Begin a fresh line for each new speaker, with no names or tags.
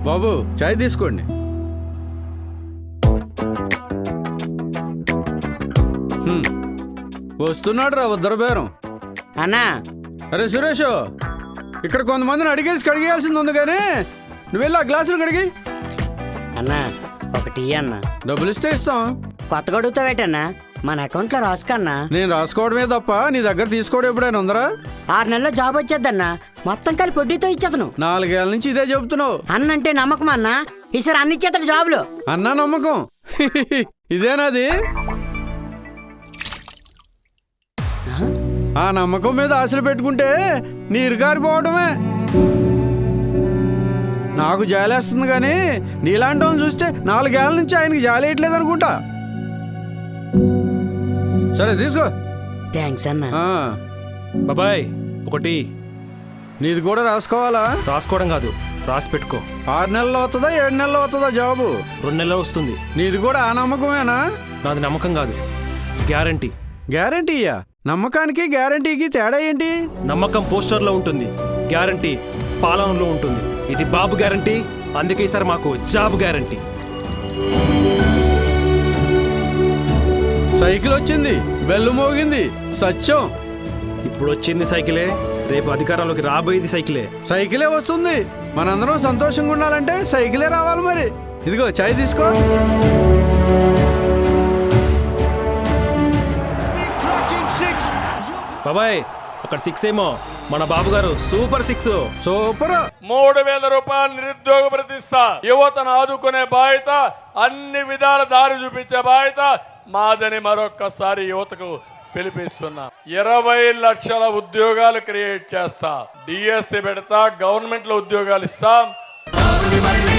బాబు చాయ్ తీసుకోండి. వస్తున్నాడు రా ఉద్దర బేరం.
అన్నా
అరే సురేష్, ఇక్కడ కొంతమందిని అడిగేసి కడిగేయాల్సింది ఉంది కానీ నువ్వు వెళ్ళి ఆ గ్లాసులు కడిగి.
అన్నా ఒకటి అన్నా.
డబ్బులు ఇస్తే ఇస్తాం.
కొత్తగా అడుగుతావేటన్నా? మన అకౌంట్లో రాసుకన్నా.
నేను రాసుకోవడమే తప్ప నీ దగ్గర తీసుకోవడం ఎప్పుడైనా ఉందరా?
6 నెలల్లో జాబ్ వచ్చేద్దన్నా. మొత్తం కలిపి వడ్డీతో ఇచ్చేతను.
4 ఏళ్ళ నుంచి ఇదే చెబుతున్నావు.
అన్నంటే నమ్మకం అన్నా. ఈసారి అన్ని ఇచ్చేతాడు జాబులు.
అన్నా నమ్మకం ఇదేనాది? ఆ నమ్మకం మీద ఆశలు పెట్టుకుంటే నీరు గారిపోవడమే. నాకు జాలేస్తుంది కానీ నీలాంటి వాళ్ళని చూస్తే 4 ఏళ్ళ నుంచి ఆయనకి జాలేయట్లేదు అనుకుంటా. సరే తీసుకో.
థ్యాంక్స్ అన్నా.
బాబాయ్ ఒకటి.
నీది కూడా రాసుకోవాలా?
రాసుకోవడం కాదు, రాసి పెట్టుకో.
6 నెలలు అవుతుందా 7 నెలలు అవుతుందా జాబు?
2 నెలలు వస్తుంది.
నీది కూడా ఆ నమ్మకమేనా?
నాది నమ్మకం కాదు, గ్యారంటీ.
గ్యారంటీయా? నమ్మకానికి గ్యారంటీకి తేడా ఏంటి?
నమ్మకం పోస్టర్లో ఉంటుంది, గ్యారంటీ పాలనలో ఉంటుంది. ఇది బాబు గ్యారంటీ, అందుకే సార్ మాకు జాబ్ గ్యారంటీ.
సైకిల్ వచ్చింది, బెల్లు మోగింది, సత్యం.
ఇప్పుడు వచ్చింది సైకిలే, రేపు అధికారంలోకి రాబోయేది సైకిలే.
సైకిలే వస్తుంది. మనందరం సంతోషంగా ఉండాలంటే సైకిలే రావాలి. మరి ఇదిగో చాయ్ తీసుకో.
బాబాయ్ అక్కడ 6 ఏమో, మన బాబు గారు సూపర్ 6.
సూపర్.
3000 రూపాయలు నిరుద్యోగ ప్రతిష్ట. యువతను ఆదుకునే బాధ్యత, అన్ని విధాల దారి చూపించే బాధ్యత మాదని మరొక్కసారి యువతకు పిలిపిస్తున్నా. 20 లక్షల ఉద్యోగాలు క్రియేట్ చేస్తా. డిఎస్సి పెడతా, గవర్నమెంట్ లో ఉద్యోగాలు ఇస్తాం.